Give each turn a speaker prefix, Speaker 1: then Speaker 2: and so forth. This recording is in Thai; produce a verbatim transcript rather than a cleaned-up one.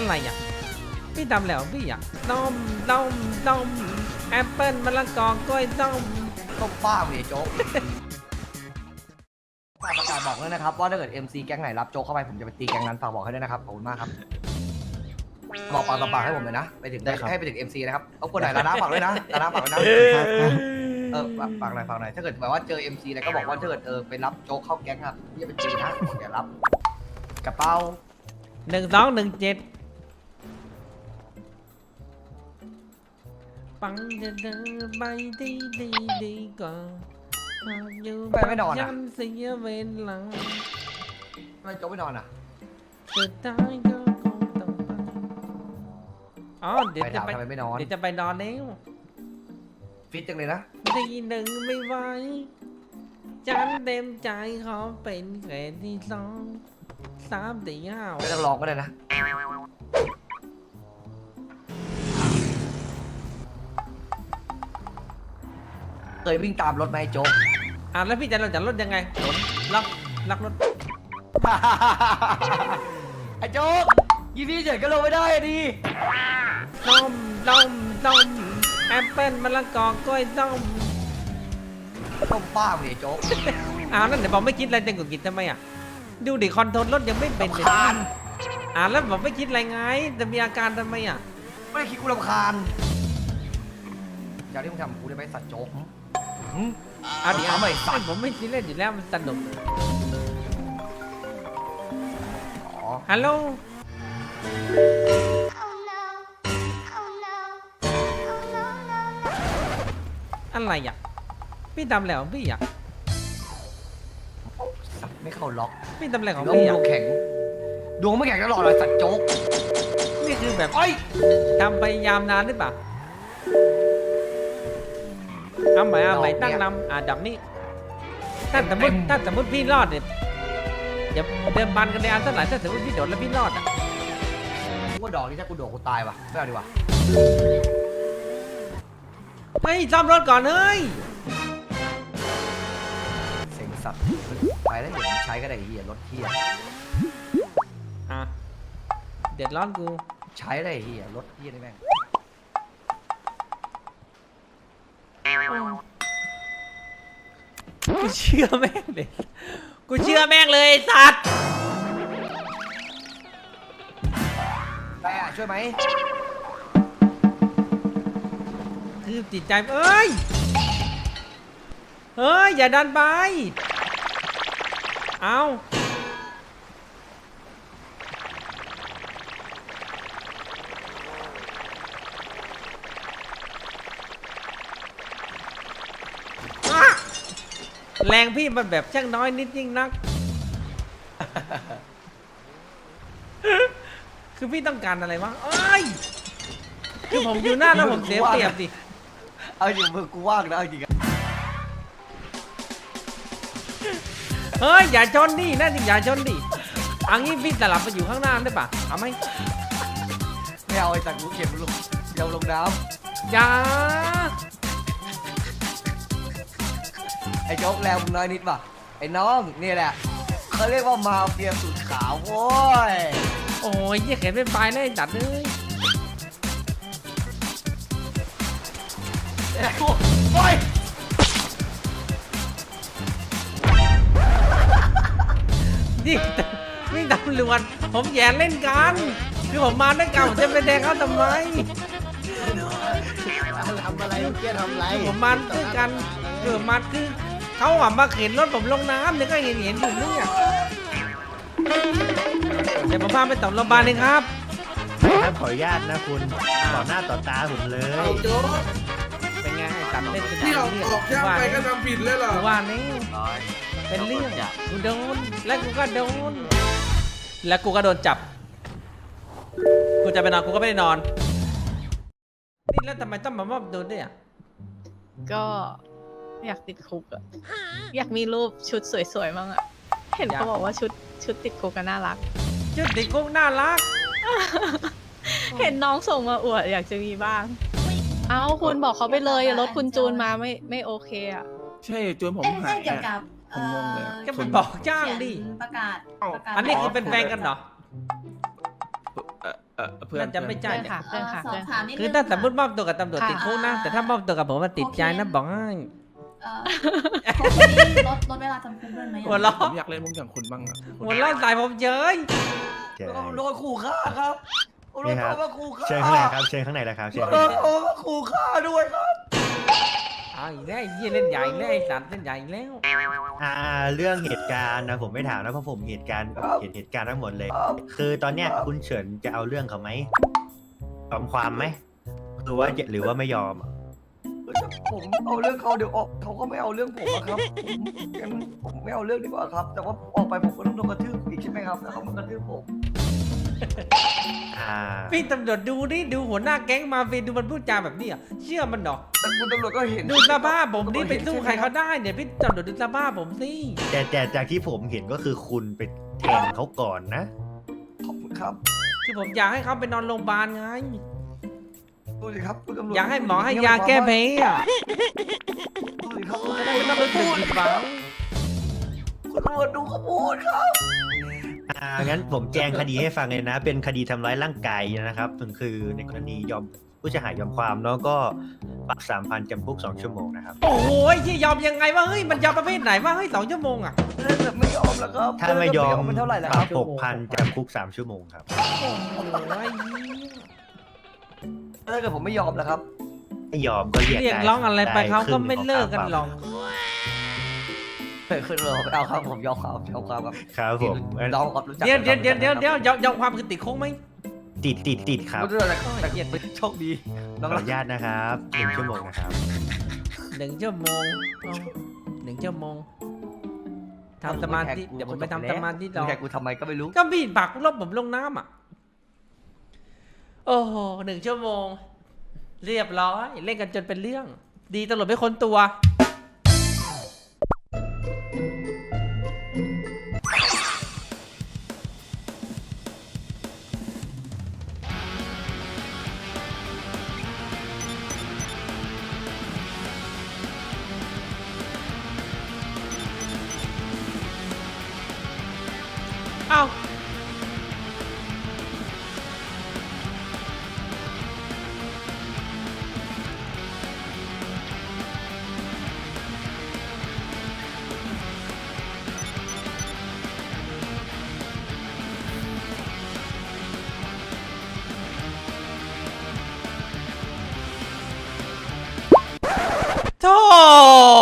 Speaker 1: อะไรอ่ะพี่ทำแล้วพี่อ่ะต้มต้มต้มแอปเปิ้ลมะละกอกล้วยต้ม
Speaker 2: ต้มป้าเลยโจ๊กฝากประกาศบอกด้วยนะครับว่าถ้าเกิด เอ็ม ซี แก๊งไหนรับโจ๊กเข้าไปผมจะไปตีแก๊งนั้นฝากบอกให้ด้วยนะครับขอบคุณมากครับบอกปากต่อปากให้ผมเลยนะไปถึงให้ไปถึง เอ็ม ซี นะครับเอาคนไหนลาน้าฝากด้วยนะลาน้าฝากด้วยนะเออฝากหน่อยฝากหน่อยถ้าเกิดแบบว่าเจอ เอ็ม ซี อะไรก็บอกว่าถ้าเกิดเออไปรับโจ๊กเข้าแก๊งครับอย่าไปตีนะอย่ารับกระเป๋า
Speaker 1: หนึ่งสองหนึ่งเจ็ดปังจะเดินไปดีดีดีก่อนอยู่ยันเสียเวลา
Speaker 2: ทำไมโจ๊กไม่นอนอ่ะ
Speaker 1: สุดท้ายก็คงต้องไปอ๋อเดี๋ยว
Speaker 2: ไป
Speaker 1: จะ
Speaker 2: ถาม
Speaker 1: ไป
Speaker 2: ทำไมไม่นอน
Speaker 1: เดี๋ยวจะไปนอนแล้ว
Speaker 2: ฟิตจังเลยนะ
Speaker 1: ทีหนึ่งไม่ไหวฉันเต็มใจขอเป็นแค่ที่สองสามสี่ห้า
Speaker 2: ไม่ต้องลองก็ได้นะเคยวิ่งตามรถไหมโจ๊ก
Speaker 1: อ่ะแล้วพี่จะเราจะลดยังไงรถล็อกล็อกรถ
Speaker 2: ไอ้โจ๊กยี่พี่เฉยก็ลงไม่ได้อะดิ
Speaker 1: ต้มต้มต้มแอปเปิ้ลมะละกอกล้วยต้ม
Speaker 2: ต้มป้าเลยโจ๊ก
Speaker 1: อ้าวนั่นเดี๋ยวบอกไม่คิดอะไรจะกุกินทำไมอ่ะดูดิคอนโทรลรถยังไม่เป็นเลย
Speaker 2: รำคาญ
Speaker 1: อ่าแล้วบอกไม่คิดอะไรไงจะมีอาการทำไมอ่ะ
Speaker 2: ไม่ได้คิดกูรำคาญอย่างที่มึงทำกูได้ไหมสัตว์โจ๊กหืม
Speaker 1: อ่ะเดี๋ยว
Speaker 2: เอาใหม่สัตว์
Speaker 1: ผมไม่คิดเล่นอยู่แล้วมันสนุก
Speaker 2: อ๋อ
Speaker 1: ฮัลโหล อะไรอ่ะพี่ทำแล้วพี่อ่ะ
Speaker 2: สัตว์ไม่เข้าล็อก
Speaker 1: พี่ทำอะไรของ
Speaker 2: ดวง
Speaker 1: พี่
Speaker 2: ด
Speaker 1: อ่ะ
Speaker 2: วงแข็งดวงไม่แข็งตลอดเลยสัตว์โจ๊ก
Speaker 1: นี่คือแบบ
Speaker 2: เอ้ย
Speaker 1: ทำพยายามนานหรือเปล่าเอาใหม่เอาใหม่ตั้งลำอ่ะดับนี้ถ้าสมมติถ้าสมมติพี่รอดเนี่ยอย่าเดิมพันกันในอันเท่าไหร่ถ้าสมมติพี่โดดแล้วพี่รอดอ่ะ
Speaker 2: กูว่าดอกนี่ถ้ากูโดดกูตายว่ะไม่เอาดีกว่า
Speaker 1: เฮ้ยซ่อมรถก่อนเฮ้ย
Speaker 2: เซ็งสัตว์ไปแล้วเดี๋ยวมึงใช้ก็ได้ไอ้เหี้ยรถเหี้ย
Speaker 1: อ่ะเดือดร้อนกู
Speaker 2: ใช้ได้ไอ้เหี้ยรถเหี้ยนี่แม่ง
Speaker 1: กูเชื่อแม่งเลยกูเชื่อแม่งเลยไอ้สัตว์
Speaker 2: ไปอ่ะช่วยไหม
Speaker 1: คือจิตใจเอ้ยเฮ้ยอย่าดันไปเอาอ่ะแรงพี่มันแบบช่างน้อยนิดยิ่งนัก คือพี่ต้องการอะไรวะเอ้ยคือผมอยู่หน้าแล้วผมเสียเปรียบดิ
Speaker 2: เอาจริงมือกูว่างนะเอาจริงอะ
Speaker 1: เฮ้ยอย่าชนดินั่นจริงอย่าชนดิอังนี้พี่สลับไปอยู่ข้างหน้าได้ปะเอาไหม
Speaker 2: ไม่เอาไอ้สัตว์กูเก็บลงเดี๋ยวลงน้
Speaker 1: อย่า
Speaker 2: ำไอ้โจ๊กแรงมึงน้อยนิดป่ะไอ้น้องนี่แหละเขาเรียกว่ามาเฟียสุดขาวโว้ย
Speaker 1: โอ้ยยี่เข็นเป็นปลายเลยจัดเลย
Speaker 2: ไอ้กูโอ้ย
Speaker 1: นี่นี่ตำรวจผมแย่เล่นกันคือผมมาด้วยกันผมจะไปแดงเขาทำไม
Speaker 3: ทำอะไรเมื่อกี้ทำอะไร
Speaker 1: คือผมมาด้วยกันคือผมมาคือเขาอ่ะมาเข็นรถผมลงน้ำเนี่ยก็เห็นเห็นอยู่เนี่ยเดี๋ยวผมพาไปต่อโรงพยาบาลเลยครับ
Speaker 3: ถ้าขออนุญาตนะคุณต่อหน้าต่อตาผมเลย
Speaker 4: เอาโจ๊ก
Speaker 1: เป็นไงไอ้ตัดเล่นเป็น
Speaker 4: ที่ออก
Speaker 1: เรื่
Speaker 4: ออกย่างไปก็ทำผิดเลยเหรอ
Speaker 1: กูว่านี่เป็นเรื่องกูโดนแล้วกูก็โดนแล้วกูก็โดนจับกูจะไปนอนกูก็ไม่ได้นอนนี่แล้วทำไมต้องมามอบตัวด้วยอ่ะ
Speaker 5: ก็อยากติดคุกอะอยากมีรูปชุดสวยๆมั้งอะเห็นเขาบอกว่าชุดชุดติดคุกกันน่ารัก
Speaker 1: ชุดติดคุกน่ารัก
Speaker 5: เห็นน้องส่งมาอวดอยากจะมีบ้าง เอาคุณบอกเขาไปเลยรถคุณจูนมาไม่ไม่โอเคอะ
Speaker 6: ใช่จนผมหาย
Speaker 7: เกี่ยว
Speaker 6: อะ
Speaker 7: กับ
Speaker 6: ผมงงเลย
Speaker 1: ก็ไปบอกจ้างดิ
Speaker 7: เขียนประกาศประกาศ
Speaker 1: อันนี้คือเป็นแฟนกันเหรอ
Speaker 4: เอ่อเอ่อเพื่อน
Speaker 1: น่าจะไม่ใช่
Speaker 5: เพื่อนค่ะเพื่อนค่ะ
Speaker 6: สอ
Speaker 5: เพื่
Speaker 6: บ
Speaker 5: อน
Speaker 6: ถามนิดนึง
Speaker 1: คือถ้าสมมติม
Speaker 6: ค่ะ
Speaker 1: อบตัวกับตำรวจ
Speaker 5: ค่ะ
Speaker 1: ติดคุกนะ แต่ถ้ามอบตัวกับผมมันติดใจนะบอกให้
Speaker 6: เอ่อโคเคนนี่ลดลดเวลาจำคุกด้วยไหม
Speaker 1: หัว
Speaker 6: อะ
Speaker 1: เราะ
Speaker 4: ผมอยากเล่นมุกอย่างคุณบ้างอะ
Speaker 1: หัวเราะใส่ผมเฉย
Speaker 3: ใช่
Speaker 2: โดนขู่ฆ่าครับโดน
Speaker 3: นี่ครับ
Speaker 2: เขามาขู่ฆ่า
Speaker 3: เชิญข้างในครับเชิญข้างในเลยครับเชิญ
Speaker 2: โด
Speaker 3: ข้างใน
Speaker 2: นเขามาขู่ฆ่าด้วยครับ
Speaker 1: เอาอีกแล้วไอ้เหี้ยเล่นใหญ่แล้วไอ้สัตว์เล่นใหญ่แล้ว
Speaker 3: อ่าเรื่องเหตุการณ์นะผมไม่ถามนะเพราะผมเหตุการณ์เห็นเหตุการณ์ทั้งหมดเลย คือตอนเนี้ยคุณเฉินจะเอาเรื่องเขาไหมยอมความไหมหรือว่าหรือว่าไม่ยอมอะ
Speaker 2: ผมเอาเรื่องเขาเดี๋ยวออกเขาก็ไม่เอาเรื่องผมอะครับผมงั้นผมไม่เอาเรื่องดีกว่าครับ แต่ว่าออกไปผมก็ต้องโดนกระทืบอีกใช่ไหมครับแล้วเขามากระทืบผม
Speaker 3: อ่า
Speaker 1: พี่ตำรวจดูนี่ดูหัวหน้าแก๊งมาเฟียดูมันพูดจาแบบนี้อ่ะเชื่อมันหรอก
Speaker 2: แต่คุณตำรวจก็เห็น
Speaker 1: ดูสภาพผมนี่ไปสู้ใครเขาได้เนี่ยพี่ตำรวจดูสภาพผมสิ
Speaker 3: แต่แต่จากที่ผมเห็นก็คือคุณไปแทงเขาก่อนนะ
Speaker 2: ขอบคุณครับ
Speaker 1: คือผมอยากให้เขาไปนอนโรงพยาบาลไง
Speaker 2: ดูสิครับคุณตำรวจ
Speaker 1: อยากให้หมอให้ยาแก้แพ้อ่ะ
Speaker 2: ดูสิครับคุณ
Speaker 1: จะ
Speaker 2: ตำร
Speaker 1: ได้
Speaker 2: วจ
Speaker 1: ไม่ต้องรู้สึกผิดหวัง
Speaker 2: คุณตำรวจดูเขาพูดครับ
Speaker 3: อ่างั้นผมแจ้งคดีให้ฟังเลยนะ เป็นคดีทำร้ายร่างกายนะครับคือในกรณียอมผู้เสียหายยอมความเนาะก็ปรับสามพันจำคุกสองชั่วโมงนะครับ
Speaker 1: โอ้โหที่ยอมยังไงวะเฮ้ยมันยอมประเภทไหนวะเฮ้ยสองชั่วโมงอ่ะ
Speaker 2: แต่ไม่ยอมแล้วครับ
Speaker 3: ถ้าไม่ยอม
Speaker 2: มันเท่าไหร่แล้ว
Speaker 3: ป
Speaker 2: ค
Speaker 3: รั
Speaker 2: รั
Speaker 3: บบ หกพันจำคุกสามชั่วโมงครับ
Speaker 1: โอ้โหไอ้เหี้ย
Speaker 2: ถ้าเกิดผมไม่ยอมแล้วครับ
Speaker 3: ไม่ยอมก็เรียก
Speaker 1: เรียก
Speaker 3: ได้
Speaker 1: ร้องอะไรไป
Speaker 3: ด้
Speaker 1: เขาก็
Speaker 3: ครึ่ง
Speaker 1: ไม่เลิกกันหรอก
Speaker 2: ขึ้นเลยไม่เอาครับผมยอมครับยอมครับครับ
Speaker 3: ครับผมงั้น
Speaker 2: น้องครับรู้จัก
Speaker 1: เดี๋ยวเดี๋ยวเดี๋ยวเดี๋ยวเดี๋ยวยอมยอมความคือติดคุกไหม
Speaker 3: ติดติดติดครับ
Speaker 2: รู้จักแต่แต่เกียรติโชคดี
Speaker 3: ข
Speaker 2: น้
Speaker 3: อ
Speaker 2: อง
Speaker 3: อ
Speaker 2: รัก
Speaker 3: นุญาตนะครับหนึ่งชั่วโมงนะครับ
Speaker 1: หนึ่งชั่วโมงเอาหนึ่งชั่วโมงทำสมาธิเดี๋ยวผมไปทำสมาธิรอ
Speaker 2: แกกูทำไมก็ไม่รู้
Speaker 1: ก็พี่ปักลบผมลงน้ำอ่ะ โอ้โหหนึ่งชั่วโมง เรียบร้อย เล่นกันจนเป็นเรื่อง ดีตำรวจไม่ค้นตัว เอ้า โธ่